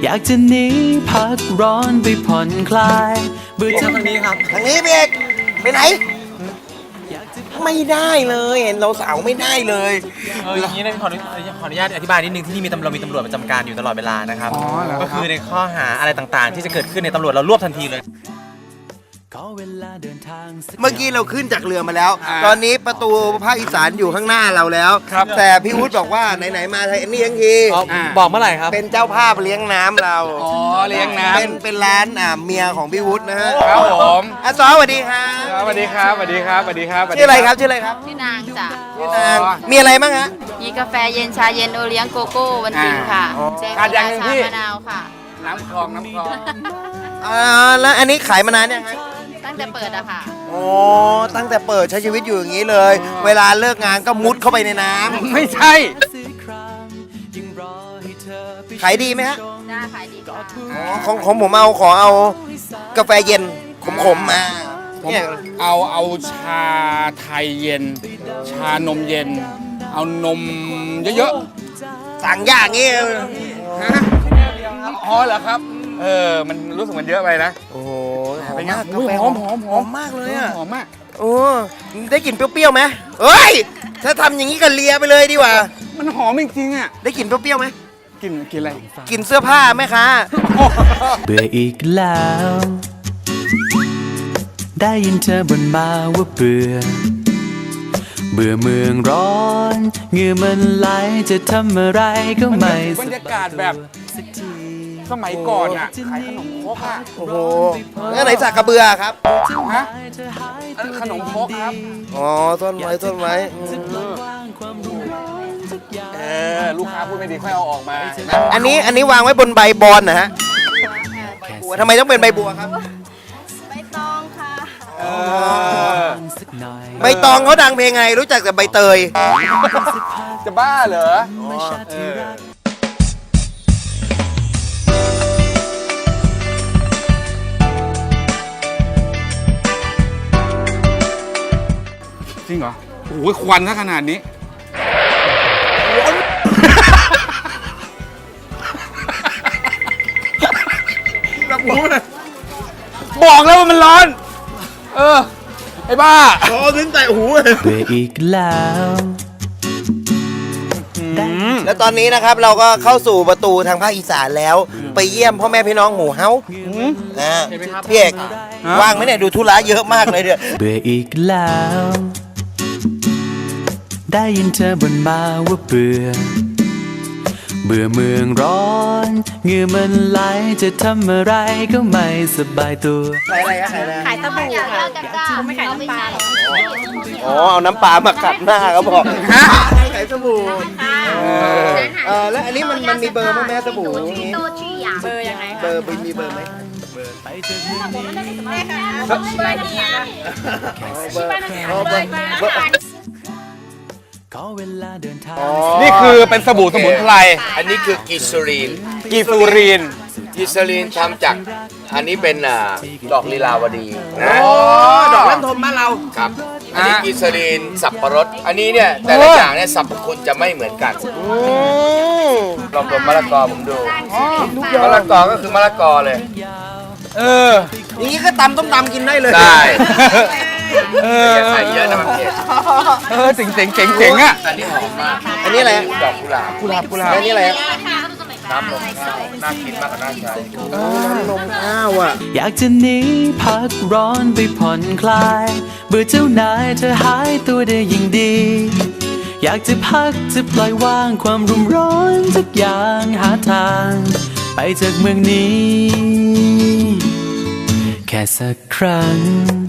อยากจะหนีพักร้อนไปผ่อนคลายเบื่อทางนี้ครับทางนี้พี่เอกไปไหนไม่ได้เลยเห็นเราสาวไม่ได้เลยอย่างนี้นะขออนุญาตอธิบายนิดนึงที่นี่มีตำรวจประจำการอยู่ตลอดเวลานะครับก็คือในข้อหาอะไรต่างๆ ที่จะเกิดขึ้นในตำรวจเรารวบทันทีเลยเมื่อกี้เราขึ้นจากเรือมาแล้ว ตอนนี้ประตูภาคอีสานอยู่ข้างหน้าเราแล้วแต่พี่วุฒิบอกว่าไหนๆมาไทยนี่ทั้งทีบอกเมื่อไหร่ครับเป็นเจ้าภาพเลี้ยงน้ำเราอ๋อเลี้ยงน้ำเป็นร้านเมียของพี่วุฒินะฮะครับผมซอสวัสดีครับสวัสดีครับสวัสดีครับสวัสดีครับชื่ออะไรครับชื่ออะไรครับชื่อนางจ้ะชื่อนางมีอะไรบ้างฮะมีกาแฟเย็นชาเย็นโอเลี้ยงโกโก้วันติงค่ะแจกขาดอย่างหนึ่งชาพี่มะนาวค่ะน้ำคลองน้ำคลองแล้วอันนี้ขายมานานยังฮะตั้งแต่เปิดอะค่ะโอ้ตั้งแต่เปิดใช้ชีวิตอยู่อย่างนี้เลย เวลาเลิกงานก็มุดเข้าไปในน้ำไม่ใช่ขายดีไหมฮะน่าขายดีค่ะของผมขอเอากาแฟเย็นขมๆมาเนี่ยเอาชาไทยเย็น ชานมเย็น เอานมเยอะสั่งอย่างงี้ๆฮะอ๋อเหรอครับมันรู้สึกมันเยอะไปนะโอ้โหเป็นไงกาอุ้ยแฟหอมหอมหอมมากเลยอ่ะหอมมากโอ้ได้กลิ่นเปรี้ยวๆไหมเฮ้ยถ้าทำอย่างนี้ก็เลียไปเลยดีกว่ามันหอมจริงๆอ่ะได้กลิ่นเปรี้ยวๆไหมกินอะไรกลิ่นเสื้อผ้าไหมคะเบื่ออีกแล้ว ได้ยินเธอบ่นมาว่าเบื่อเมืองร้อนเหงื่อมันไหลจะทำอะไรก็ไม่บรรยากาศแบบสมัยก่อนอ่ะขายขนมครกอ่ะโอ้โหแล้วไหนสักกระเบือครับฮะขนมครกครับอ๋อต้นไม้ลูกค้าพูดไม่ดีค่อยเอาออกมาอันนี้วางไว้บนใบบอนนะฮะบัวทำไมต้องเป็นใบบัวครับใบตองค่ะใบตองเขาดังเพลงไงรู้จักแต่ใบเตยจะบ้าเหรอ จริงเหรอ โอ้โหควันซะขนาดนี้ บอกแล้วว่ามันร้อน ไอ้บ้าอ๋อถึงแต่หูเบื่ออีกแล้วแล้วตอนนี้นะครับเราก็เข้าสู่ประตูทางภาคอีสานแล้ว ไปเยี่ยมพ่อแม่พี่น้องหมู่เฮานะพี่เอกว่างไหมเนี่ยดูธุระเยอะมากเลยเนี่ยเบื่ออีกแล้ว ได้ยินเธอบ่นมาว่าเบื่อเมืองร้อนเหงื่อมันไหลจะทำอะไรก็ไม่สบายตัวขายอะไรฮะขายอะไรขายตะบูค่ะเขาไม่ขายน้ำปลาหรอกอ๋อเอาน้ำปลามาขัดหน้าเขาบอกขายสบู่แล้วอันนี้มันมีเบอร์มั้ยแม่สบู่อย่างงี้เบอร์ยังไงเบอร์มีเบอร์ไหมก็เวลาเดินทางนี่คือเป็นสบู่สมุนไพรอันนี้คือกิซูรีนกีซูรีนกิซูรีนทำจาก อันนี้เป็นดอกลีลาวดีนะดอกลันทมบ้านเราครับ อันนี้กิซูรีนสับปะรด อันนี้เนี่ยแต่ละอย่างเนี่ยสรรพคุณจะไม่เหมือนกัน ลองดมมะละกอผมดู มะละกอก็คือมะละกอเลยอย่างนี้ก็ตำต้มตำกินได้เลยได้ อย่าใส่เยอะนะมันเผ็ดเจ๋งอ่ะอันนี้หอมมากอันนี้อะไรฮะดอกกุหลาบกุหลาบอันนี้อะไรฮะน้ำนมข้าวน่ากินมากกว่าน่าใช้นมข้าวอ่ะอยากจะหนีพักร้อนไปผ่อนคลายเบื่อเจ้านายเธอหายตัวได้ยิ่งดี อยากจะพักจะปล่อยวางความรุมร้อนทุกอย่างหาทาง ไปจากเมืองนี้ แค่สักครั้ง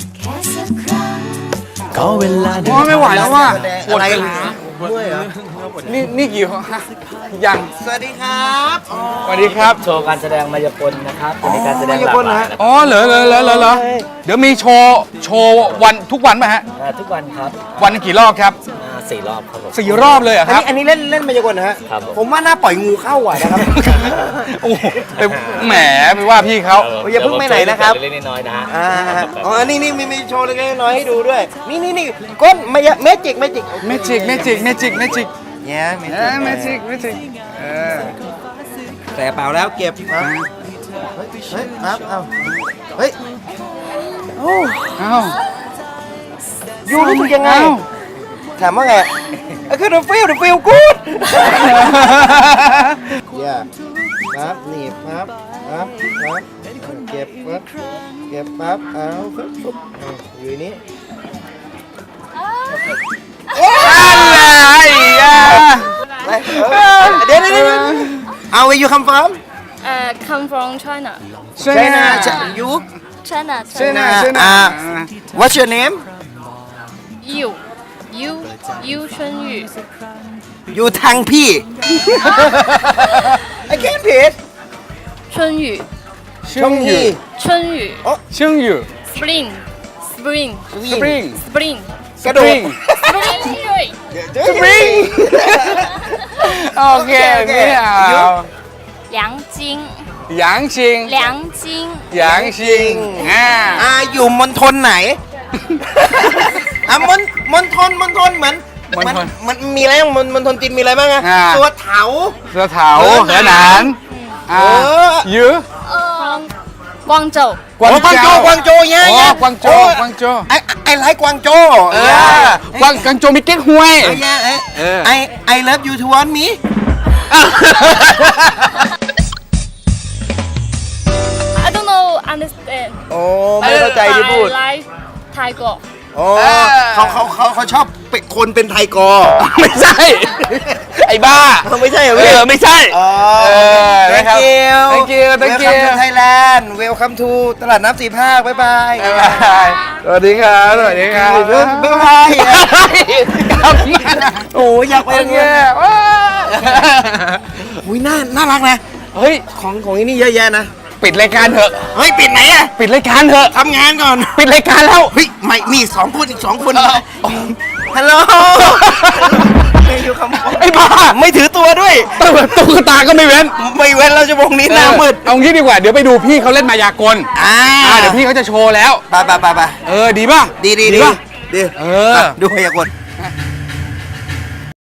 ก็เวลาเดินโอ้ไม่ไหวแล้วว่ะปวดอะไรขาด้วยเหรอนี่กี่ยังสวัสดีครับสวัสดีครับโชว์การแสดงมายากลนะครับจะมีการแสดงหลากหลายอ๋อเหรอเดี๋ยวมีโชว์วันทุกวันไหมฮะทุกวันครับวันหนึ่งกี่รอบครับ 4 รอบครับผม 4 รอบเลยเหรอครับอันนี้เล่นมายากลนะฮะครับผมผมว่าน่าปล่อยงูเข้าอ่ะนะครับโอ้โหไปแหมไปว่าพี่เขาอย่าเพิ่งไปไหนนะครับเล็กๆน้อยๆนะฮะอ๋อนี่มีโชว์เล็กๆน้อยๆให้ดูด้วย นี่ก้นเมจิกเมจิกเนี่ยเมจิกแต่เปล่าแล้วเก็บครับเฮ้ยครับเอาเฮ้ยเอ้ายูรู้สึกยังไงเอ้าถามว่าไงคือ the feel good อย่าครับหนีบครับเก็บปั๊บเอาปุ๊บอยู่ในนี้อะไรอ่ะเดี๋ยวเอา where you come from come from China. China you China. China what's your name You 春雨。 อยู่ทางพี่ I can't read 春雨。 ช่องยี่春雨。 ชื่องอยู่ Spring. Spring. Spring Spring. กระโดด Spring Spring โอเคไม่เอา梁晶。 หยางชิง梁晶。 หยางชิงอยู่มณฑลไหน มณฑลเหมือนมันมีอะไรบ้างมณฑลจีนมีอะไรบ้างอะตัวเถาเสือเถาเสือหนานยื้อ光州。 กวางกวางโจเจ้ากวางโจย่ากวางโจกวางโจไอ้ไลค์กวางโจกวางโจมีเก๊กฮวยไอ love you to want me I don't know understand. โอ้ไม่เข้าใจที่พูด I like Thai girl. โอ้เขาชอบเป็นคนเป็นไทยกอไม่ใช่ ไอ้บ้าไม่ใช่เหรอพี่ไม่ใช่ thank you thank you welcome to Thailand welcome to ตลาดน้ำสีภาคบ๊ายบายสวัสดีครับ สวัสดีครับบ๊ายบายโอ้อยากไปโออย่างเคเงี้ยอุ้ยน่ารักนะเฮ้ยของที่นี่เยอะแยะนะปิดรายการเถอะเฮ้ยปิดไหนอะปิดรายการเถอะทำงานก่อนปิดรายการแล้วเฮ้ยไม่มีอีก2 คนอีก 2 คนฮัลโหลไม่อยู่คำไอ้บ้าไม่ถือตัวด้วยตุ๊กตาก็ไม่เว้นไม่เว้นเราจะวงนี้หน้ามืดเอางี้ดีกว่า เดี๋ยวไปดูพี่เขาเล่นมายากล เดี๋ยวพี่เขาจะโชว์แล้วไปดีป่ะดีป่ะดีเออดูพยากรณ์